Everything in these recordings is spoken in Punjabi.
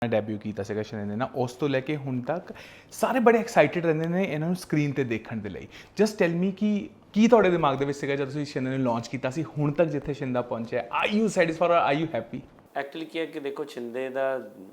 ਡੈਬਿਊ ਕੀਤਾ ਸੀਗਾ ਸ਼ਿੰਦੇ ਨੇ ਨਾ, ਉਸ ਤੋਂ ਲੈ ਕੇ ਹੁਣ ਤੱਕ ਸਾਰੇ ਬੜੇ ਐਕਸਾਈਟਿਡ ਰਹਿੰਦੇ ਨੇ ਇਹਨਾਂ ਨੂੰ ਸਕਰੀਨ ਤੇ ਦੇਖਣ ਦੇ ਲਈ। ਜਸਟ ਟੈਲ ਮੀ ਕਿ ਕੀ ਤੁਹਾਡੇ ਦਿਮਾਗ ਦੇ ਵਿੱਚ ਸੀਗਾ ਜਦੋਂ ਤੁਸੀਂ ਸ਼ਿੰਦੇ ਨੂੰ ਲਾਂਚ ਕੀਤਾ ਸੀ, ਹੁਣ ਤੱਕ ਜਿੱਥੇ ਸ਼ਿੰਦਾ ਪਹੁੰਚਿਆ, ਆਰ ਯੂ ਸੈਟਿਸਫਾਈਡ ਔਰ ਆਰ ਯੂ ਹੈਪੀ? ਐਕਚੁਅਲੀ ਕੀ ਹੈ ਕਿ ਦੇਖੋ ਸ਼ਿੰਦੇ ਦਾ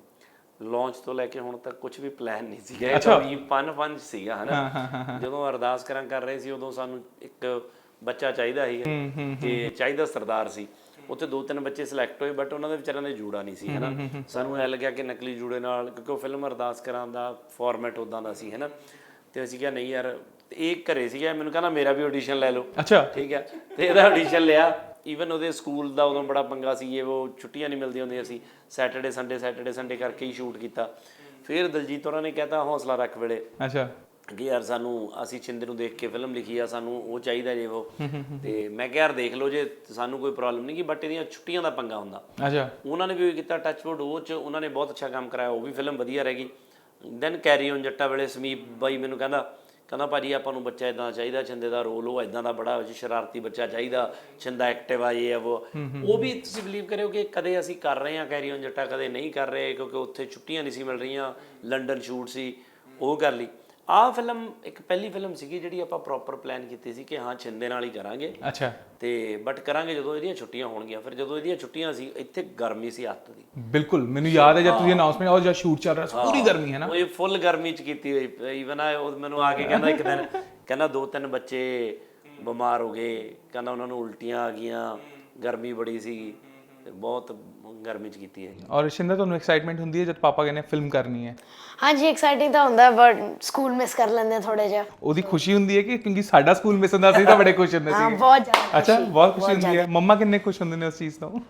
ਲਾਂਚ ਤੋਂ ਲੈ ਕੇ ਹੁਣ ਤੱਕ ਕੁਝ ਵੀ ਪਲਾਨ ਨਹੀਂ ਸੀਗਾ, ਇਹ ਤਾਂ ਵੀ ਫਨ ਸੀਗਾ ਹਨਾ। ਜਦੋਂ ਅਰਦਾਸ ਕਰ ਰਹੇ ਸੀ ਉਦੋਂ ਸਾਨੂੰ ਇੱਕ ਬੱਚਾ ਚਾਹੀਦਾ ਸੀ ਤੇ ਚਾਹੀਦਾ ਸਰਦਾਰ ਸੀ। ਉੱਥੇ 2-3 ਬੱਚੇ ਸਿਲੈਕਟ ਹੋਏ ਬਟ ਉਹਨਾਂ ਦੇ ਵਿਚਾਰਿਆਂ ਦੇ ਜੂੜਾ ਨਹੀਂ ਸੀ ਹਨਾ। ਸਾਨੂੰ ਐ ਲੱਗਿਆ ਕਿ ਨਕਲੀ ਜੂੜੇ ਨਾਲ, ਕਿਉਂਕਿ ਉਹ ਫਿਲਮ ਅਰਦਾਸ ਕਰਾਂ ਦਾ ਫਾਰਮੈਟ ਉੱਦਾਂ ਦਾ ਸੀ ਹਨਾ। ਤੇ ਅਸੀਂ ਕਿਹਾ ਨਹੀਂ ਯਾਰ, ਇਹ ਘਰੇ ਸੀਗਾ, ਮੈਨੂੰ ਕਹਿੰਦਾ ਮੇਰਾ ਵੀ ਆਡੀਸ਼ਨ ਲੈ ਲਓ। ਅੱਛਾ ਠੀਕ ਹੈ, ਤੇ ਇਹਦਾ ਆਡੀਸ਼ਨ ਲਿਆ। ਈਵਨ ਉਹਦੇ ਸਕੂਲ ਦਾ ਉਦੋਂ ਬੜਾ ਪੰਗਾ ਸੀ, ਇਹ ਉਹ ਛੁੱਟੀਆਂ ਨਹੀਂ ਮਿਲਦੀਆਂ ਹੁੰਦੀਆਂ ਸੀ, ਸੈਟਰਡੇ ਸੰਡੇ ਕਰਕੇ ਹੀ ਸ਼ੂਟ ਕੀਤਾ। ਫਿਰ ਦਲਜੀਤ ਹੋਰਾਂ ਨੇ ਕਹਿਤਾ ਹੌਸਲਾ ਰੱਖ ਵੇਲੇ ਅੱਛਾ ਕਿ ਯਾਰ ਸਾਨੂੰ, ਅਸੀਂ ਸ਼ਿੰਦੇ ਨੂੰ ਦੇਖ ਕੇ ਫਿਲਮ ਲਿਖੀ ਆ, ਸਾਨੂੰ ਉਹ ਚਾਹੀਦਾ ਜੇ ਉਹ। ਤੇ ਮੈਂ ਕਿਹਾ ਯਾਰ ਦੇਖ ਲਓ ਜੇ ਸਾਨੂੰ ਕੋਈ ਪ੍ਰੋਬਲਮ ਨਹੀਂ ਗੀ, ਬਟ ਇਹਦੀਆਂ ਛੁੱਟੀਆਂ ਦਾ ਪੰਗਾ ਹੁੰਦਾ। ਅੱਛਾ ਉਹਨਾਂ ਨੇ ਵੀ ਕੀਤਾ ਟੱਚਵੁੱਡ, ਉਹ 'ਚ ਉਹਨਾਂ ਨੇ ਬਹੁਤ ਅੱਛਾ ਕੰਮ ਕਰਾਇਆ, ਉਹ ਵੀ ਫਿਲਮ ਵਧੀਆ ਰਹਿ ਗਈ। ਦੈਨ ਕੈਰੀ ਔਨ ਜੱਟਾ ਵੇਲੇ ਸਮੀਪ ਬਾਈ ਮੈਨੂੰ ਕਹਿੰਦਾ ਭਾਜੀ ਆਪਾਂ ਨੂੰ ਬੱਚਾ ਇੱਦਾਂ ਚਾਹੀਦਾ, ਸ਼ਿੰਦੇ ਦਾ ਰੋਲ ਉਹ ਇੱਦਾਂ ਦਾ ਬੜਾ ਸ਼ਰਾਰਤੀ ਬੱਚਾ ਚਾਹੀਦਾ, ਸ਼ਿੰਦਾ ਐਕਟਿਵ ਆ ਇਹ ਉਹ ਵੀ ਤੁਸੀਂ ਬਿਲੀਵ ਕਰਿਓ ਕਿ ਕਦੇ ਅਸੀਂ ਕਰ ਰਹੇ ਹਾਂ ਕੈਰੀ ਔਨ ਜੱਟਾ, ਕਦੇ ਨਹੀਂ ਕਰ ਰਹੇ ਕਿਉਂਕਿ ਉੱਥੇ ਛੁੱਟੀਆਂ ਨਹੀਂ ਸੀ ਮਿਲ ਰਹੀਆਂ, ਲੰਡਨ ਸ਼ੂਟ ਸੀ, ਉਹ ਕਰ ਲਈ। ਆਹ ਫਿਲਮ ਇੱਕ ਪਹਿਲੀ ਫਿਲਮ ਸੀਗੀ ਜਿਹੜੀ ਆਪਾਂ ਪ੍ਰੋਪਰ ਪਲਾਨ ਕੀਤੀ ਸੀ ਕਿ ਹਾਂ ਸ਼ਿੰਦੇ ਨਾਲ ਹੀ ਕਰਾਂਗੇ। ਅੱਛਾ ਤੇ ਬਟ ਕਰਾਂਗੇ ਜਦੋਂ ਇਹਦੀਆਂ ਛੁੱਟੀਆਂ ਹੋਣਗੀਆਂ। ਫਿਰ ਜਦੋਂ ਇਹਦੀਆਂ ਛੁੱਟੀਆਂ ਸੀ, ਇੱਥੇ ਗਰਮੀ ਸੀ ਅੱਤ ਦੀ। ਬਿਲਕੁਲ ਮੈਨੂੰ ਯਾਦ ਹੈ ਜਦ ਤੁਸੀਂ ਅਨਾਉਂਸਮੈਂਟ ਔਰ ਜਦ ਸ਼ੂਟ ਚੱਲ ਰਿਹਾ ਸੀ, ਪੂਰੀ ਗਰਮੀ ਹੈ ਨਾ, ਉਹ ਫੁੱਲ ਗਰਮੀ 'ਚ ਕੀਤੀ ਹੋਈ। ਈਵਨ ਉਹ ਮੈਨੂੰ ਆ ਕੇ ਕਹਿੰਦਾ ਇੱਕ ਦਿਨ, ਕਹਿੰਦਾ 2-3 ਬੱਚੇ ਬਿਮਾਰ ਹੋ ਗਏ, ਕਹਿੰਦਾ ਉਹਨਾਂ ਨੂੰ ਉਲਟੀਆਂ ਆ ਗਈਆਂ, ਗਰਮੀ ਬੜੀ ਸੀ, ਬਹੁਤ ਗਰਮੀ 'ਚ ਕੀਤੀ ਹੈ। ਔਰ ਸ਼ਿੰਦਾ ਤੁਹਾਨੂੰ ਐਕਸਾਈਟਮੈਂਟ ਹੁੰਦੀ ਹੈ ਜਦ ਪਾਪਾ ਕਹਿੰਦੇ ਫਿਲਮ ਕਰਨੀ ਹੈ? ਹਾਂਜੀ ਐਕਸਾਈਟਿੰਗ ਤਾਂ ਹੁੰਦਾ, ਬਟ ਸਕੂਲ ਮਿਸ ਕਰ ਲੈਂਦੇ ਆ ਥੋੜਾ ਜਿਹਾ। ਉਹਦੀ ਖੁਸ਼ੀ ਹੁੰਦੀ ਹੈ ਕਿ ਕਿਉਂਕਿ ਸਾਡਾ ਸਕੂਲ ਮਿਸ ਹੁੰਦਾ ਸੀ ਤਾਂ ਬੜੇ ਖੁਸ਼ ਹੁੰਦੇ ਸੀ? ਹਾਂ ਬਹੁਤ ਜ਼ਿਆਦਾ। ਅੱਛਾ ਬਹੁਤ ਖੁਸ਼ੀ ਹੁੰਦੀ ਹੈ। ਮੰਮਾ ਕਿੰਨੇ ਖੁਸ਼ ਹੁੰਦੇ ਨੇ ਉਸ ਚੀਜ਼ ਤੋਂ?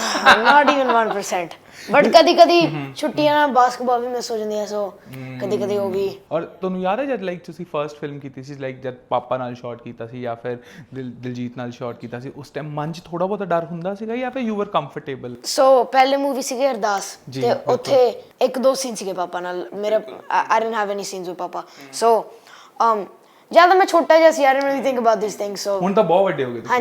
Not even 1%। ਬਟ ਕਦੀ ਛੁੱਟੀਆਂ ਬਾਸਕਟਬਾਲ ਵੀ ਮਿਸ ਹੋ ਜਾਂਦੀਆਂ, ਸੋ ਕਦੀ ਉਹ ਵੀ। ਔਰ ਤੁਹਾਨੂੰ ਯਾਦ ਹੈ ਜਦ ਲਾਈਕ ਤੁਸੀਂ ਫਰਸਟ ਫਿਲਮ ਕੀਤੀ ਸੀ, ਲਾਈਕ ਜਦ ਪਾਪਾ ਨਾਲ ਸ਼ਾਟ ਕੀਤਾ ਸੀ ਜਾਂ ਫਿਰ ਦਿਲਜੀਤ ਨਾਲ ਸ਼ਾਟ ਕੀਤਾ ਸੀ, ਉਸ ਟਾਈਮ ਮਨ 'ਚ ਥੋੜਾ ਬਹੁਤਾ ਡਰ ਹੁੰਦਾ ਸੀਗਾ ਜਾਂ ਫਿਰ ਯੂ ਵਰ ਕੰਫਰਟੇਬਲ? ਸੋ ਪਹਿਲੇ ਮੂਵੀ ਸੀਗੀ ਅਰਦਾਸ, ਤੇ ਉੱਥੇ 1-2 ਸੀਨ ਸੀਗੇ ਪਾਪਾ ਨਾਲ ਮੇਰੇ। I didn't have any scenes with papa, so ਜ਼ਿਆਦਾ ਮੈਂ ਛੋਟਾ ਜਿਹਾ ਸੀ, I didn't really think about these things, so ਹੁਣ ਤਾਂ ਬਹੁਤ ਵੱਡੇ ਹੋ ਗਏ ਤੁਸੀਂ।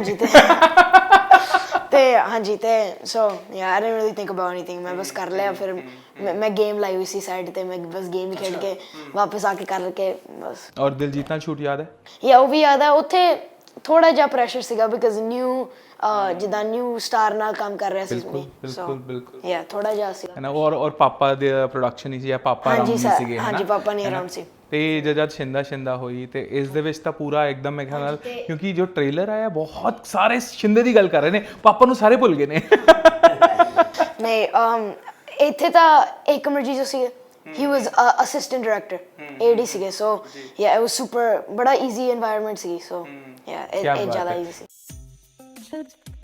ਹਾਂਜੀ ਤੇ ਸੋ yeah I didn't really think about anything, ਮੈਂ ਬਸ ਕਰ ਲਿਆ। ਫਿਰ ਮੈਂ ਗੇਮ ਲਾਈ ਹੋਈ ਸੀ ਸਾਈਡ ਤੇ, ਮੈਂ ਬਸ ਗੇਮ ਹੀ ਖੇਡ ਕੇ ਵਾਪਸ ਆ ਕੇ ਕਰਕੇ ਬਸ। ਔਰ ਦਿਲਜੀਤ ਨਾਲ ਸ਼ੂਟ ਯਾਦ ਹੈ? ਯਾ ਉਹ ਵੀ ਯਾਦ ਹੈ। ਉੱਥੇ ਥੋੜਾ ਜਿਹਾ ਪ੍ਰੈਸ਼ਰ ਸੀਗਾ ਬਿਕਾਜ਼ ਜਿੱਦਾਂ ਨਿਊ ਸਟਾਰ ਨਾਲ ਕੰਮ ਕਰ ਰਿਹਾ ਸੀ। ਬਿਲਕੁਲ ਯਾ ਥੋੜਾ ਜਿਹਾ ਸੀ ਨਾ। ਔਰ ਪਾਪਾ ਦੇ ਪ੍ਰੋਡਕਸ਼ਨ ਹੀ ਸੀ ਜਾਂ ਪਾਪਾ ਅਰਾਊਂਡ ਨਹੀਂ ਸੀਗੇ? ਹਾਂਜੀ ਪਾਪਾ ਨਹੀਂ ਅਰਾਊਂਡ ਸੀ। ਤੇ ਜਦ ਸ਼ਿੰਦਾ ਹੋਈ ਤੇ ਇਸ ਦੇ ਵਿੱਚ ਤਾਂ ਪੂਰਾ ਇੱਕਦਮ ਮੇਰੇ ਖਿਆਲ ਨਾਲ, ਕਿਉਂਕਿ ਜੋ ਟ੍ਰੇਲਰ ਆਇਆ ਬਹੁਤ ਸਾਰੇ ਸ਼ਿੰਦੇ ਦੀ ਗੱਲ ਕਰ ਰਹੇ ਨੇ, ਪਾਪਾ ਨੂੰ ਸਾਰੇ ਭੁੱਲ ਗਏ ਨੇ। ਨਹੀਂ ਇੱਥੇ ਤਾਂ ਏਕਮਰਜੀਤ ਜੋ ਸੀ, he was assistant director, AD ਸੀਗੇ, so yeah it was super, ਬੜਾ easy environment ਸੀ, so yeah ਇਹ ਜ਼ਿਆਦਾ easy ਸੀ।